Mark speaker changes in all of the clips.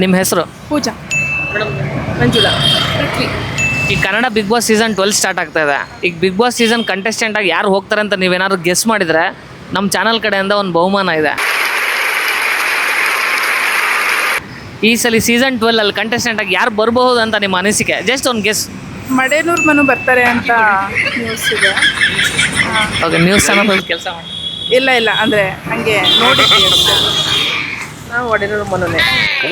Speaker 1: ನಿಮ್ಮ ಹೆಸರು?
Speaker 2: ಪೂಜಾ.
Speaker 1: ಮೇಡಮ್
Speaker 2: ಮಂಜುಳಾ. ಪೃಥ್ವಿ.
Speaker 1: ಈ Kannada big boss season 12 start ಆಗ್ತಾ ಇದೆ. ಈಗ ಬಿಗ್ ಬಾಸ್ ಸೀಸನ್ ಕಂಟೆಸ್ಟೆಂಟ್ ಆಗಿ ಯಾರು ಹೋಗ್ತಾರೆ ಅಂತ ನೀವೇನಾದ್ರು ಗೆಸ್ ಮಾಡಿದರೆ ನಮ್ಮ ಚಾನಲ್ ಕಡೆಯಿಂದ ಒಂದು ಬಹುಮಾನ ಇದೆ. ಈ ಸಲ ಸೀಸನ್ 12 ಅಲ್ಲಿ ಕಂಟೆಸ್ಟೆಂಟ್ ಆಗಿ ಯಾರು ಬರಬಹುದು ಅಂತ ನಿಮ್ಮ ಅನಿಸಿಕೆ? ಜಸ್ಟ್ ಒಂದು ಗೆಸ್.
Speaker 2: ಮಡೇನೂರು ಮನು ಬರ್ತಾರೆ ಅಂತ ನ್ಯೂಸ್ ಇದೆ.
Speaker 1: ಓಕೆ, ನ್ಯೂಸ್ ಚಾನಲ್ ಕೆಲಸ ಮಾಡಿ.
Speaker 2: ಇಲ್ಲ ಅಂದರೆ ಹಂಗೆ ನೋಡಿ.
Speaker 1: ನಾವು ಒಡೆನೂರು ಮನೋನೆ.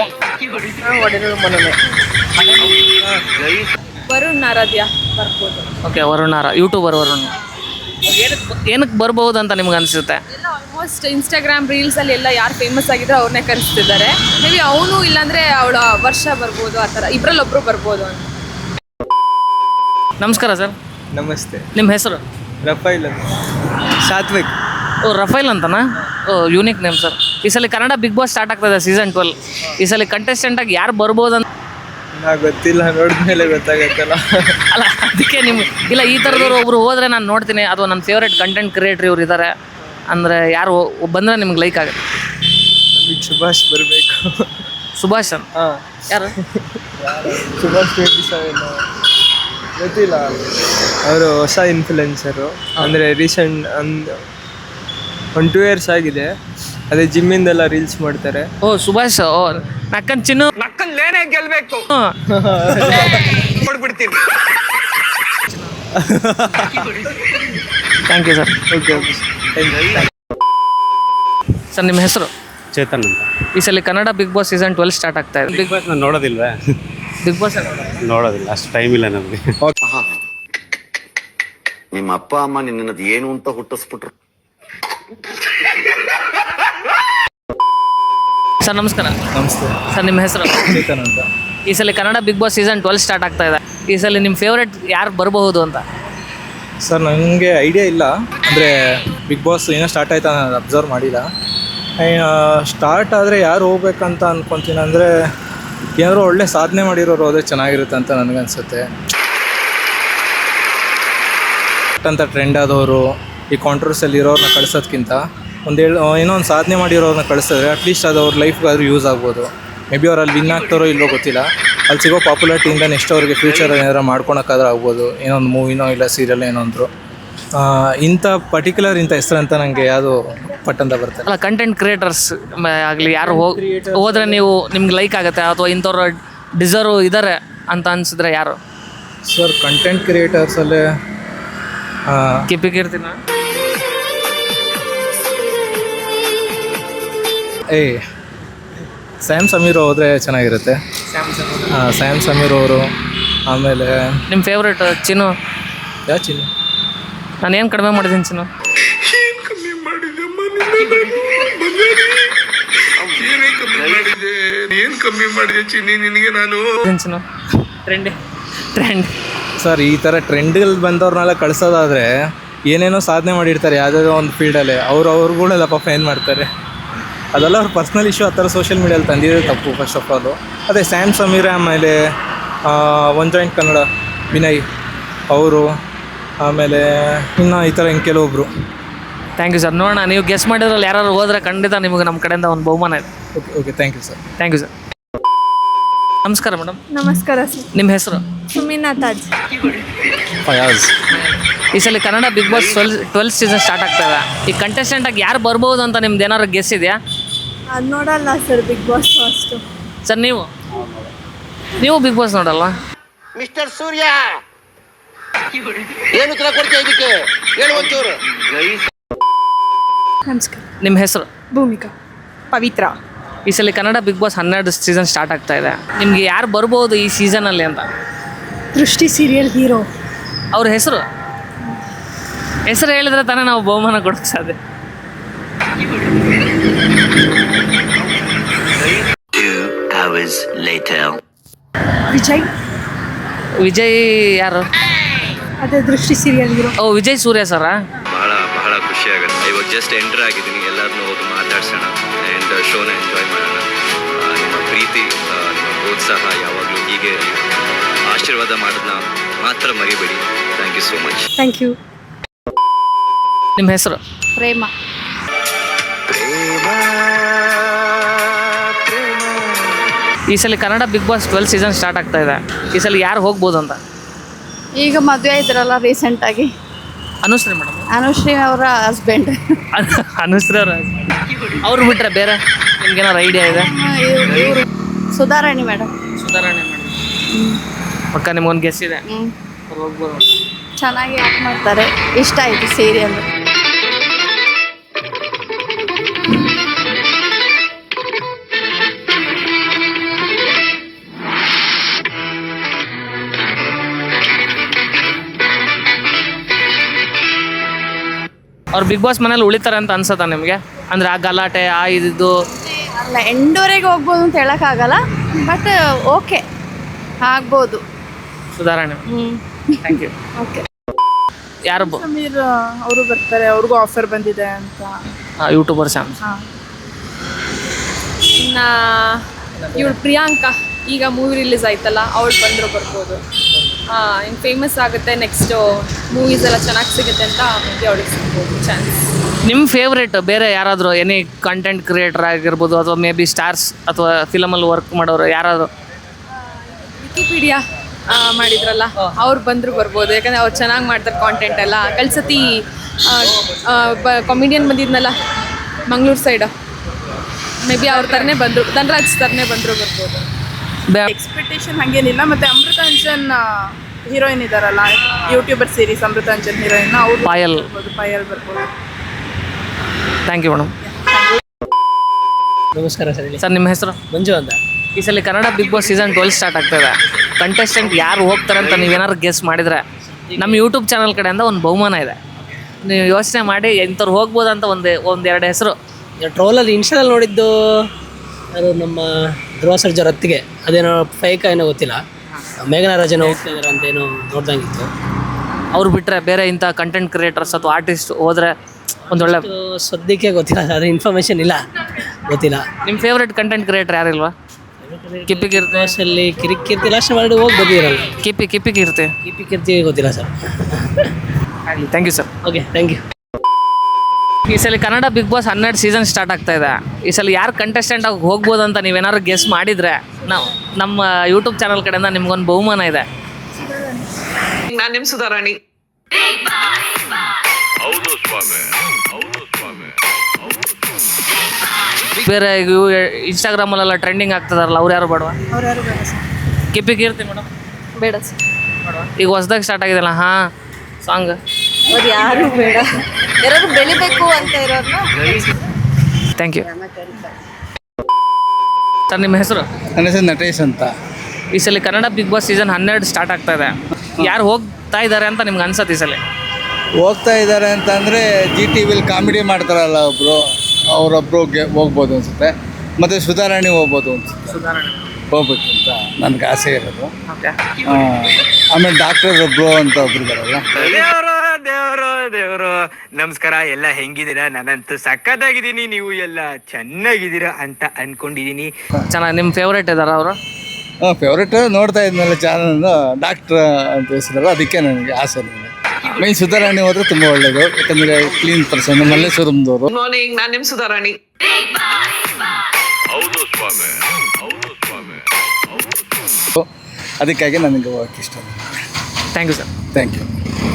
Speaker 2: ವರುಣ್ ಆರಾಧ್ಯ ಬರ್ಬೋದು.
Speaker 1: ಓಕೆ, ವರುಣಾರ ಯೂಟ್ಯೂಬರ್ ವರುಣ್. ಏನಕ್ಕೆ ಬರ್ಬೋದು ಅಂತ ನಿಮ್ಗೆ ಅನಿಸುತ್ತೆ?
Speaker 2: ಎಲ್ಲ ಆಲ್ಮೋಸ್ಟ್ ಇನ್ಸ್ಟಾಗ್ರಾಮ್ ರೀಲ್ಸಲ್ಲಿ ಎಲ್ಲ ಯಾರು ಫೇಮಸ್ ಆಗಿದ್ರೆ ಅವ್ರನ್ನೇ ಕರೆಸ್ತಿದ್ದಾರೆ. ಮೇ ಬಿ ಅವನು ಇಲ್ಲಾಂದರೆ ಅವಳ ವರ್ಷ ಬರ್ಬೋದು, ಆ ಥರ ಇಬ್ಬರಲ್ಲೊಬ್ಬರು ಬರ್ಬೋದು ಅಂತ.
Speaker 1: ನಮಸ್ಕಾರ ಸರ್.
Speaker 3: ನಮಸ್ತೆ.
Speaker 1: ನಿಮ್ಮ ಹೆಸರು?
Speaker 3: ರಫೈಲ್ ಅಂತ. ಸಾತ್ವಿಕ್.
Speaker 1: ಓ, ರಫೈಲ್ ಅಂತನಾ? ಓ, ಯೂನಿಕ್ ನೇಮ್ ಸರ್. ಈ ಸಲ ಕನ್ನಡ ಬಿಗ್ ಬಾಸ್ ಸ್ಟಾರ್ಟ್ ಆಗ್ತದೆ ಸೀಸನ್ 12. ಈ ಸಲ ಕಂಟೆಸ್ಟೆಂಟಾಗಿ ಯಾರು ಬರ್ಬೋದು ಅಂತ
Speaker 3: ಗೊತ್ತಿಲ್ಲ, ನೋಡಿದ್ಮೇಲೆ ಗೊತ್ತಾಗತ್ತಲ್ಲ.
Speaker 1: ಅಲ್ಲ, ಅದಕ್ಕೆ ನಿಮ್ಗೆ ಇಲ್ಲ, ಈ ಥರದವ್ರು ಒಬ್ರು ಹೋದರೆ ನಾನು ನೋಡ್ತೀನಿ, ಅಥವಾ ನನ್ನ ಫೇವ್ರೇಟ್ ಕಂಟೆಂಟ್ ಕ್ರಿಯೇಟ್ರ್ ಇವ್ರು ಇದ್ದಾರೆ ಅಂದರೆ ಯಾರು ಬಂದರೆ ನಿಮ್ಗೆ ಲೈಕ್ ಆಗುತ್ತೆ?
Speaker 3: ನಮಗೆ ಸುಭಾಷ್ ಬರಬೇಕು.
Speaker 1: ಸುಭಾಷ್ ಅಂತ?
Speaker 3: ಹಾಂ.
Speaker 1: ಯಾರು?
Speaker 3: ಸುಭಾಷ್ 27 ಗೊತ್ತಿಲ್ಲ. ಅವರು ಹೊಸ ಇನ್ಫ್ಲುಯೆನ್ಸರು. ಅಂದರೆ ರೀಸೆಂಟ್ ಒಂದು 2 years ಆಗಿದೆ. ಅದೇ ಜಿಮ್ಮಿಂದೆಲ್ಲ ರೀಲ್ಸ್ ಮಾಡ್ತಾರೆ.
Speaker 1: ಓ, ಸುಭಾಷ್. ಓ, ನಕ್ಕನ್ ಚಿನ್ನು
Speaker 4: ನಕ್ಕಲ್ಲೇನೆ ಗೆಲ್ಬೇಕು ನೋಡ್ಬಿಡ್ತೀನಿ.
Speaker 1: Thank you sir.
Speaker 3: Okay okay
Speaker 1: sir, ನಿಮ್ಮ ಹೆಸರು?
Speaker 5: ಚೇತನ್ ಅಂತ.
Speaker 1: ಈ ಸಲ Kannada big boss season 12 start ಆಗ್ತಾ ಇದೆ.
Speaker 5: ಬಿಗ್ ಬಾಸ್ ನಾನು ನೋಡೋದಿಲ್ವೇ?
Speaker 1: ಬಿಗ್ ಬಾಸ್
Speaker 5: ನೋಡೋದಿಲ್ಲ, ಅಷ್ಟು ಟೈಮ್ ಇಲ್ಲ ನಮಗೆ.
Speaker 6: ನಿಮ್ಮ ಅಪ್ಪ ಅಮ್ಮ ನಿನ್ನದು ಏನು ಅಂತ ಹುಟ್ಟಿಸ್ಬಿಟ್ರು.
Speaker 1: ಸರ್, ನಮಸ್ಕಾರ.
Speaker 3: ನಮಸ್ತೆ.
Speaker 1: ಸರ್, ನಿಮ್ಮ ಹೆಸರು?
Speaker 3: ಚೇತನ್ ಅಂತ.
Speaker 1: ಈ ಸಲ Kannada big boss season 12 start ಆಗ್ತಾ ಇದೆ. ಈ ಸಲ ನಿಮ್ಮ ಫೇವ್ರೇಟ್ ಯಾರು ಬರಬಹುದು ಅಂತ?
Speaker 3: ಸರ್, ನನಗೆ ಐಡಿಯಾ ಇಲ್ಲ. ಅಂದರೆ ಬಿಗ್ ಬಾಸ್ ಏನೋ ಸ್ಟಾರ್ಟ್ ಆಯ್ತಾ ನಾನು ಅಬ್ಸರ್ವ್ ಮಾಡಿಲ್ಲ. ಸ್ಟಾರ್ಟ್ ಆದರೆ ಯಾರು ಹೋಗ್ಬೇಕಂತ ಅಂದ್ಕೊತೀನಿ ಅಂದರೆ ಏನಾದ್ರು ಒಳ್ಳೆ ಸಾಧನೆ ಮಾಡಿರೋರು ಹೋದರೆ ಚೆನ್ನಾಗಿರುತ್ತೆ ಅಂತ ನನಗನ್ಸುತ್ತೆ. ಅಂತ ಟ್ರೆಂಡ್ ಆದವರು ಈ ಕಾಂಟ್ರವರ್ಸಲ್ಲಿ ಇರೋರನ್ನ ಕಳಿಸೋದ್ಕಿಂತ ಏನೋ ಒಂದು ಸಾಧನೆ ಮಾಡಿರೋರನ್ನ ಕಳಿಸಿದ್ರೆ ಅಟ್ಲೀಸ್ಟ್ ಅದು ಅವ್ರ ಲೈಫ್ಗಾದ್ರೂ ಯೂಸ್ ಆಗ್ಬೋದು. ಮೇ ಬಿ ಅವ್ರು ಅಲ್ಲಿ ವಿನ್ ಆಗ್ತಾರೋ ಇಲ್ಲೋ ಗೊತ್ತಿಲ್ಲ. ಅಲ್ಲಿ ಸಿಗೋ ಪಾಪ್ಯುಲಾರಿಟಿಯಿಂದ ನೆಕ್ಸ್ಟ್ ಅವ್ರಿಗೆ ಫ್ಯೂಚರ್ ಏನಾರು ಮಾಡ್ಕೊಳಕ್ಕಾದ್ರೂ ಆಗ್ಬೋದು. ಏನೋ ಒಂದು ಮೂವಿನೋ ಇಲ್ಲ ಸೀರಿಯಲ್ ಏನೋ ಅಂದರು. ಇಂಥ ಪರ್ಟಿಕ್ಯುಲರ್ ಇಂಥ ಹೆಸರು ಅಂತ ನನಗೆ ಯಾವುದು ಪಟ್ಟಂತ ಬರ್ತದೆ.
Speaker 1: ಅಲ್ಲ, ಕಂಟೆಂಟ್ ಕ್ರಿಯೇಟರ್ಸ್ ಆಗಲಿ ಯಾರು ಹೋದರೆ ನೀವು ನಿಮ್ಗೆ ಲೈಕ್ ಆಗುತ್ತೆ, ಅಥವಾ ಇಂಥವ್ರು ಡಿಸರ್ವ್ ಇದ್ದಾರೆ ಅಂತ ಅನಿಸಿದ್ರೆ ಯಾರು?
Speaker 3: ಸರ್, ಕಂಟೆಂಟ್ ಕ್ರಿಯೇಟರ್ಸಲ್ಲೇ
Speaker 1: ಕಿರ್ತೀನ
Speaker 3: ಸ್ಯಾಮ್ ಸಮೀರ್ ಹೋದರೆ ಚೆನ್ನಾಗಿರುತ್ತೆ. ಸ್ಯಾಮ್ ಸಮೀರ್ ಅವರು. ಆಮೇಲೆ
Speaker 1: ನಿಮ್ಮ ಫೇವ್ರೇಟ್ ಚಿನ್ನು?
Speaker 3: ಯಾವ ಚಿನ್ನು?
Speaker 1: ನಾನು ಏನು ಕಡಿಮೆ ಮಾಡಿದ್ದೀನಿ ಚಿನ್ನು?
Speaker 4: ಏನ್ ಕಮ್ಮಿ ಮಾಡಿದೆ ಚಿನ್ನಿ ನಿನಗೆ ನಾನು?
Speaker 1: ಚಿನ್ನು ಟ್ರೆಂಡ್
Speaker 3: ಸರ್, ಈ ಥರ ಟ್ರೆಂಡ್ಗಳು ಬಂದವ್ರನ್ನೆಲ್ಲ ಕಳಿಸೋದಾದರೆ ಏನೇನೋ ಸಾಧನೆ ಮಾಡಿರ್ತಾರೆ ಯಾವುದಾದ್ರೂ ಒಂದು ಫೀಲ್ಡಲ್ಲಿ. ಅವ್ರುಗಳೆಲ್ಲ ಪಾಪ ಏನು ಮಾಡ್ತಾರೆ, ಅದೆಲ್ಲ ಅವ್ರ ಪರ್ಸ್ನಲ್ ಇಶ್ಯೂ. ಆ ಥರ ಸೋಷಿಯಲ್ ಮೀಡಿಯಲ್ಲಿ ತಂದಿರೋದು ತಪ್ಪು ಫಸ್ಟ್ ಆಫ್ ಆಲು. ಅದೇ ಸ್ಯಾಮ್ ಸಮೀರ್, ಆಮೇಲೆ ಒನ್ ಜಾಯಿಂಟ್ ಕನ್ನಡ ವಿನಯ್ ಅವರು, ಆಮೇಲೆ ಇನ್ನು ಈ ಥರ ಹಿಂಗೆ ಕೆಲವೊಬ್ಬರು.
Speaker 1: Thank you sir. ನೋಡೋಣ, ನೀವು ಗೆಸ್ ಮಾಡಿದ್ರಲ್ಲಿ ಯಾರು ಹೋದರೆ ಖಂಡಿತ ನಿಮಗೆ ನಮ್ಮ ಕಡೆಯಿಂದ ಒಂದು ಬಹುಮಾನ ಇದೆ.
Speaker 3: Okay okay, thank you sir.
Speaker 1: Thank you sir. ನಮಸ್ಕಾರ ಮೇಡಮ್.
Speaker 2: ನಮಸ್ಕಾರ ಸರ್.
Speaker 1: ನಿಮ್ಮ ಹೆಸರು?
Speaker 2: ಸುಮಿನಾ ತಾಜ್.
Speaker 3: ಫಯಾಜ್.
Speaker 1: ಈ ಸಲ Kannada big boss 12 season start ಆಗ್ತಾ ಇದೆ. ಈ ಕಂಟೆಸ್ಟೆಂಟಾಗಿ ಯಾರು ಬರ್ಬೋದು ಅಂತ ನಿಮ್ದು ಏನಾದ್ರು ಗೆಸ್ ಇದೆಯಾ?
Speaker 2: ಅದು ನೋಡಲ್ಲ ಸರ್ ಬಿಗ್ ಬಾಸ್ ಅಷ್ಟು.
Speaker 1: ಸರ್, ನೀವು ಬಿಗ್ ಬಾಸ್ ನೋಡಲ್ಲ?
Speaker 6: ಮಿಸ್ಟರ್ ಸೂರ್ಯ ಏನು ಉತ್ತರ ಕೊಡ್ತೀಯ ಇದಕ್ಕೆ? ಹೇಳು ಒಂಚೂರು.
Speaker 2: ನಮಸ್ಕಾರ.
Speaker 1: ನಿಮ್ಮ ಹೆಸರು?
Speaker 2: ಭೂಮಿಕಾ. ಪವಿತ್ರ.
Speaker 1: ಈ ಸಲ Kannada big boss 12 season start ಆಗ್ತಾ ಇದೆ. ನಿಮ್ಗೆ ಯಾರು ಬರ್ಬೋದು ಈ ಸೀಸನಲ್ಲಿ ಅಂತ?
Speaker 2: ದೃಷ್ಟಿ ಸೀರಿಯಲ್ ಹೀರೋ.
Speaker 1: ಅವ್ರ ಹೆಸರು ಹೇಳಿದ್ರೆ ತಾನೇ ನಾವು ಬಹುಮಾನ ಕೊಡೋಕ್ಕೆ ಸಾಧ್ಯ.
Speaker 6: 2 hours later.
Speaker 1: ವಿಜಯ್ ಯಾರು?
Speaker 2: ಅದೇ ದೃಷ್ಟಿ ಸೀರಿಯಲ್ ಹೀರೋ.
Speaker 1: ಓ, ವಿಜಯ್ ಸೂರ್ಯ ಸರಾ?
Speaker 7: ಬಹಳ ಖುಷಿ ಆಗುತ್ತೆ. ಇವಾಗ ಜಸ್ಟ್ ಎಂಟರ್ ಆಗಿದ್ದೀನಿ. ಎಲ್ಲರನ್ನೂ ಹೋಗಿ ಮಾತಾಡ್ಸೋಣ ಆ್ಯಂಡ್ ಶೋನ ಎಂಜಾಯ್ ಮಾಡೋಣ. ನಿಮ್ಮ ಪ್ರೀತಿ, ನಿಮ್ಮ ಪ್ರೋತ್ಸಾಹ ಯಾವಾಗಲೂ ಹೀಗೆ ಇರಲಿ. ಆಶೀರ್ವಾದ ಮಾಡೋದನ್ನ ಮಾತ್ರ ಮರಿಬೇಡಿ. Thank you so much.
Speaker 2: Thank you.
Speaker 1: ನಿಮ್ಮ ಹೆಸರು?
Speaker 2: ಪ್ರೇಮ.
Speaker 1: ಈ ಈ ಸಲ Kannada big boss 12 season start ಆಗ್ತಾ ಇದೆ. ಈ ಸಲ ಯಾರು ಹೋಗ್ಬೋದು ಅಂತ
Speaker 8: ಈಗ ಮದುವೆ ಇದ್ರಲ್ಲ ರೀಸೆಂಟಾಗಿ
Speaker 1: ಅನುಶ್ರೀ ಮೇಡಮ್.
Speaker 8: ಅನುಶ್ರೀ ಅವರ ಹಸ್ಬೆಂಡ್.
Speaker 1: ಅನುಶ್ರೀ ಅವ್ರು ಬಿಟ್ಟರೆ ಬೇರೆ ನಿಮ್ಗೇನಾರು ಐಡಿಯಾ ಇದೆ?
Speaker 8: ಇವರು ಸುಧಾರಾಣಿ ಮೇಡಮ್.
Speaker 1: ಸುಧಾರಣೆ ಮೇಡಮ್ ಪಕ್ಕ ನಿಮ್ಗೊಂದು ಗೆಸ್ ಇದೆ, ಅವ್ರು ಹೋಗ್ಬೋದು ಅಂತ.
Speaker 8: ಚೆನ್ನಾಗಿ ಆ್ಯಕ್ಟ್ ಮಾಡ್ತಾರೆ, ಇಷ್ಟ ಆಯಿತು ಸೀರಿಯಲ್.
Speaker 1: ಅವ್ರು ಬಿಗ್ ಬಾಸ್ ಮನೇಲಿ ಉಳಿತಾರೆ ಅಂತ ಅನ್ಸತ್ತಾ ನಿಮಗೆ? ಅಂದರೆ ಆ ಗಲಾಟೆ ಆ ಇದು
Speaker 8: ಅಲ್ಲ, ಎಂಡವರೆಗೆ ಹೋಗ್ಬೋದು ಅಂತ ಹೇಳೋಕ್ಕಾಗಲ್ಲ, ಬಟ್ ಓಕೆ ಆಗ್ಬೋದು.
Speaker 1: ಸುಧಾರಣೆ. Thank you.
Speaker 8: ಓಕೆ.
Speaker 1: ಯಾರು
Speaker 9: ಸಮೀರ್ ಅವರು ಬರ್ತಾರೆ, ಅವ್ರಿಗೂ ಆಫರ್ ಬಂದಿದೆ ಅಂತ.
Speaker 1: ಯೂಟ್ಯೂಬರ್ಸ್ ಅಂತ.
Speaker 2: ಇನ್ನು ಇವಳು ಪ್ರಿಯಾಂಕಾ ಈಗ ಮೂವಿ ರಿಲೀಸ್ ಆಯ್ತಲ್ಲ, ಅವಳು ಬಂದರೂ ಬರ್ಬೋದು. ಇನ್ನು ಫೇಮಸ್ ಆಗುತ್ತೆ, ನೆಕ್ಸ್ಟು ಮೂವೀಸ್ ಎಲ್ಲ ಚೆನ್ನಾಗಿ ಸಿಗುತ್ತೆ ಅಂತ ಮುಂದೆ ಅವಳಿಗೆ ಸಿಗ್ಬೋದು ಚಾನ್ಸ್.
Speaker 1: ನಿಮ್ಮ ಫೇವ್ರೇಟ್ ಬೇರೆ ಯಾರಾದರೂ ಎನಿ ಕಂಟೆಂಟ್ ಕ್ರಿಯೇಟರ್ ಆಗಿರ್ಬೋದು ಅಥವಾ ಮೇ ಬಿ ಸ್ಟಾರ್ಸ್ ಅಥವಾ ಫಿಲಮಲ್ಲಿ ವರ್ಕ್ ಮಾಡೋರು ಯಾರಾದರೂ?
Speaker 2: ವಿಕಿಪೀಡಿಯಾ ಮಾಡಿದ್ರಲ್ಲ, ಅವ್ರು ಬಂದರೂ ಬರ್ಬೋದು. ಯಾಕಂದರೆ ಅವ್ರು ಚೆನ್ನಾಗಿ ಮಾಡ್ತಾರೆ ಕಾಂಟೆಂಟ್ ಎಲ್ಲ. ಕಳ್ಸತಿ ಕಾಮಿಡಿಯನ್ ಬಂದಿದ್ನಲ್ಲ ಮಂಗಳೂರು ಸೈಡು, ಮೇ ಬಿ ಅವ್ರ ಥರನೇ ಬಂದರು, ಧನರಾಜ್ ಥರನೇ ಬಂದರೂ ಬರ್ಬೋದು.
Speaker 9: ಎಕ್ಸ್ಪೆಕ್ಟೇಷನ್ ಹಾಗೇನಿಲ್ಲ. ಮತ್ತು ಅಮೃತಾಂಜನ್ ಹೀರೋಯಿನ್ ಇದ್ದಾರಲ್ಲ, ಯೂಟ್ಯೂಬರ್ ಸೀರೀಸ್ ಅಮೃತಾಂಜನ್ ಹೀರೋಯಿನ್, ಅವ್ರು
Speaker 1: ಪಾಯಲ್.
Speaker 9: ಪಾಯಲ್ ಬರ್ಬೋದು.
Speaker 1: Thank you madam.
Speaker 10: ನಮಸ್ಕಾರ ಸರ್. ಹೇಳಿ
Speaker 1: ಸರ್, ನಿಮ್ಮ ಹೆಸರು?
Speaker 10: ಮಂಜು ಅಂತ.
Speaker 1: ಈ ಸಲ Kannada big boss season 12 start ಆಗ್ತದೆ. ಕಂಟೆಸ್ಟೆಂಟ್ ಯಾರು ಹೋಗ್ತಾರೆ ಅಂತ ನೀವೇನಾದ್ರು ಗೆಸ್ ಮಾಡಿದರೆ ನಮ್ಮ ಯೂಟ್ಯೂಬ್ ಚಾನಲ್ ಕಡೆಯಿಂದ ಒಂದು ಬಹುಮಾನ ಇದೆ. ನೀವು ಯೋಚನೆ ಮಾಡಿ ಇಂಥವ್ರು ಹೋಗ್ಬೋದು ಅಂತ ಒಂದೆರಡು ಹೆಸರು.
Speaker 10: ಟ್ರೋಲಲ್ಲಿ ಇನ್ಸ್ಟಾದಲ್ಲಿ ನೋಡಿದ್ದು ಅದು ನಮ್ಮ ಧ್ರುವ ಸರ್ಜಾ ಹೊತ್ತಿಗೆ, ಅದೇನೋ ಫೇಕ್ ಏನೋ ಗೊತ್ತಿಲ್ಲ, ಮೇಘನಾರಾಜನ ಹೋಗ್ತಾ ಇದ್ದಾರೆ ಅಂತ ಏನೋ ನೋಡ್ದಂಗಿತ್ತು.
Speaker 1: ಅವ್ರು ಬಿಟ್ಟರೆ ಬೇರೆ ಇಂಥ ಕಂಟೆಂಟ್ ಕ್ರಿಯೇಟರ್ಸ್ ಅಥವಾ ಆರ್ಟಿಸ್ಟ್ ಹೋದರೆ ಒಂದೊಳ್ಳೆ
Speaker 10: ಸದ್ಯಕ್ಕೆ ಗೊತ್ತಿಲ್ಲ, ಅದ್ರ ಇನ್ಫಾರ್ಮೇಷನ್ ಇಲ್ಲ, ಗೊತ್ತಿಲ್ಲ.
Speaker 1: ನಿಮ್ಮ ಫೇವ್ರೇಟ್ ಕಂಟೆಂಟ್ ಕ್ರಿಯೇಟರ್ ಯಾರಿಲ್ವಾ? ಕಿರ್ತಿ
Speaker 10: ಅಲ್ಲಿ ಕಿರಿಕೀರ್ತಿ ಲಾಸ್ಟ್ ಮಾಡಿ ಹೋಗಿ ಬಂದಿರಲ್ಲ.
Speaker 1: ಕಿರ್ತಿ
Speaker 10: ಕಿರ್ತಿ ಗೊತ್ತಿಲ್ಲ ಸರ್.
Speaker 1: ಆಗಲಿ, thank you sir.
Speaker 10: Okay, thank you.
Speaker 1: ಈ ಸಲ Kannada big boss 12 season start ಆಗ್ತಾ ಇದೆ. ಈ ಸಲ ಯಾರು ಕಂಟೆಸ್ಟೆಂಟ್ ಆಗಿ ಹೋಗ್ಬೋದು ಅಂತ ನೀವೇನಾದ್ರು ಗೆಸ್ ಮಾಡಿದರೆ ನಾವು ನಮ್ಮ ಯೂಟ್ಯೂಬ್ ಚಾನಲ್ ಕಡೆಯಿಂದ ನಿಮ್ಗೊಂದು ಬಹುಮಾನ ಇದೆ.
Speaker 4: ನಾನು ನಿಮ್ಮ ಸುಧಾರಾಣಿ.
Speaker 1: ಬೇರೆ ಇನ್ಸ್ಟಾಗ್ರಾಮಲ್ಲೆಲ್ಲ ಟ್ರೆಂಡಿಂಗ್ ಆಗ್ತದಾರಲ್ಲ, ಅವ್ರು ಯಾರು ಬೇಡವಾ? ಕೀರ್ತಿ ಮೇಡಮ್
Speaker 8: ಬೇಡ ಸರ್.
Speaker 1: ಈಗ ಹೊಸ್ದಾಗಿ ಸ್ಟಾರ್ಟ್ ಆಗಿದೆಲ್ಲ ಸಾಂಗ್,
Speaker 8: ಅವ್ರು ಯಾರು ಬೇಡ, ಯಾರು ಬೆಳಿಬೇಕು ಅಂತ ಇರೋದನ್ನ.
Speaker 1: Thank you sir. ನಿಮ್ಮ ಹೆಸರು?
Speaker 3: ನನ್ನ ಹೆಸರು ನಟೇಶ್ ಅಂತ.
Speaker 1: ಈ ಸಲ Kannada big boss season 12 start ಆಗ್ತಾ ಇದೆ. ಯಾರು ಹೋಗ್ತಾ ಇದ್ದಾರೆ ಅಂತ ನಿಮ್ಗೆ ಅನ್ಸತ್ತೆ ಈ ಸಲ?
Speaker 3: ಹೋಗ್ತಾ ಇದ್ದಾರೆ ಅಂತಂದರೆ GTVಲಿ ಕಾಮಿಡಿ ಮಾಡ್ತಾರಲ್ಲ ಒಬ್ಬರು, ಅವರೊಬ್ಬರು ಹೋಗ್ಬೋದು ಅನಿಸುತ್ತೆ. ಮತ್ತು ಸುಧಾರಾಣಿ ಹೋಗ್ಬೋದು ಅನಿಸುತ್ತೆ. ಹೋಗ್ಬೇಕು ಅಂತ ನನಗೆ ಆಸೆ ಇರೋದು. ಆಮೇಲೆ ಡಾಕ್ಟರ್ ಒಬ್ಬರು ಅಂತ ಒಬ್ರು ಇದ್ದಾರಲ್ಲ.
Speaker 11: ದೇವರು ನಮಸ್ಕಾರ. ಎಲ್ಲ ಹೆಂಗಿದ್ದೀರಾ? ನಾನಂತೂ ಸಖತ್ತಾಗಿದ್ದೀನಿ, ನೀವು ಎಲ್ಲ ಚೆನ್ನಾಗಿದ್ದೀರಾ ಅಂತ ಅನ್ಕೊಂಡಿದ್ದೀನಿ.
Speaker 1: ಚೆನ್ನಾಗಿ. ನಿಮ್ಮ ಫೇವ್ರೇಟ್ ಇದ್ದಾರಾ ಅವರು?
Speaker 3: ಫೇವ್ರೇಟ್ ನೋಡ್ತಾ ಇದ್ನಲ್ಲ ಚಾನಲ್, ಡಾಕ್ಟ್ರ್ ಅಂತ ಹೆಸರಲ್ಲ, ಅದಕ್ಕೆ ನನಗೆ ಆಸೆ ನನಗೆ. ಮೈನ್ ಸುಧಾರಾಣಿ ಹೋದ್ರೆ ತುಂಬ ಒಳ್ಳೇದು, ಯಾಕಂದರೆ ಕ್ಲೀನ್ ಪರ್ಸನ್, ಮಲ್ಲೇಶ್ವರಂದವರು.
Speaker 4: ಗುಡ್ ಮಾರ್ನಿಂಗ್, ನಾನು ನಿಮ್ಮ ಸುಧಾರಾಣಿ.
Speaker 3: ಅದಕ್ಕಾಗಿ ನನಗೆ ಹೋಗಕ್ಕೆ ಇಷ್ಟ.
Speaker 1: Thank you sir.
Speaker 3: Thank you.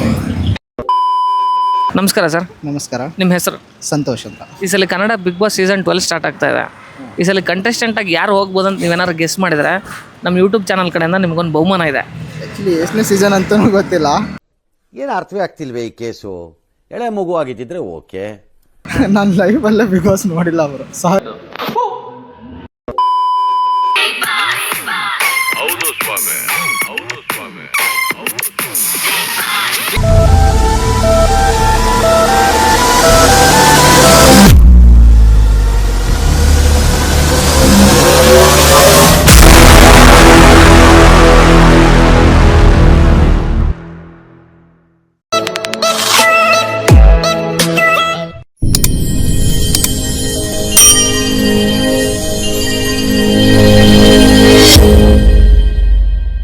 Speaker 1: ನಮಸ್ಕಾರ ಸರ್.
Speaker 3: ನಮಸ್ಕಾರ.
Speaker 1: ನಿಮ್ಮ ಹೆಸರು?
Speaker 3: ಸಂತೋಷ್ ಅಂತ.
Speaker 1: ಈ ಸಲ Kannada big boss season 12 start ಆಗ್ತಾ ಇದೆ. ಈ ಸಲ ಕಂಟೆಸ್ಟೆಂಟ್ ಆಗಿ ಯಾರು ಹೋಗ್ಬೋದು ಅಂತ ನೀವೇನಾದ್ರು ಗೆಸ್ ಮಾಡಿದರೆ ನಮ್ಮ ಯೂಟ್ಯೂಬ್ ಚಾನಲ್ ಕಡೆಯಿಂದ ನಿಮ್ಗೊಂದು ಬಹುಮಾನ ಇದೆ.
Speaker 3: ಆ್ಯಕ್ಚುಲಿ ಎಷ್ಟನೇ ಸೀಸನ್ ಅಂತಲೂ ಗೊತ್ತಿಲ್ಲ.
Speaker 6: ಏನು ಅರ್ಥವೇ ಆಗ್ತಿಲ್ವೇ ಈ ಕೇಸು? ಎಳೆ ಮಗು ಆಗಿದ್ದಿದ್ರೆ ಓಕೆ.
Speaker 3: ನಾನು ಲೈವಲ್ಲೇ ಬಿಗ್ ಬಾಸ್ ನೋಡಿಲ್ಲ ಅವರು.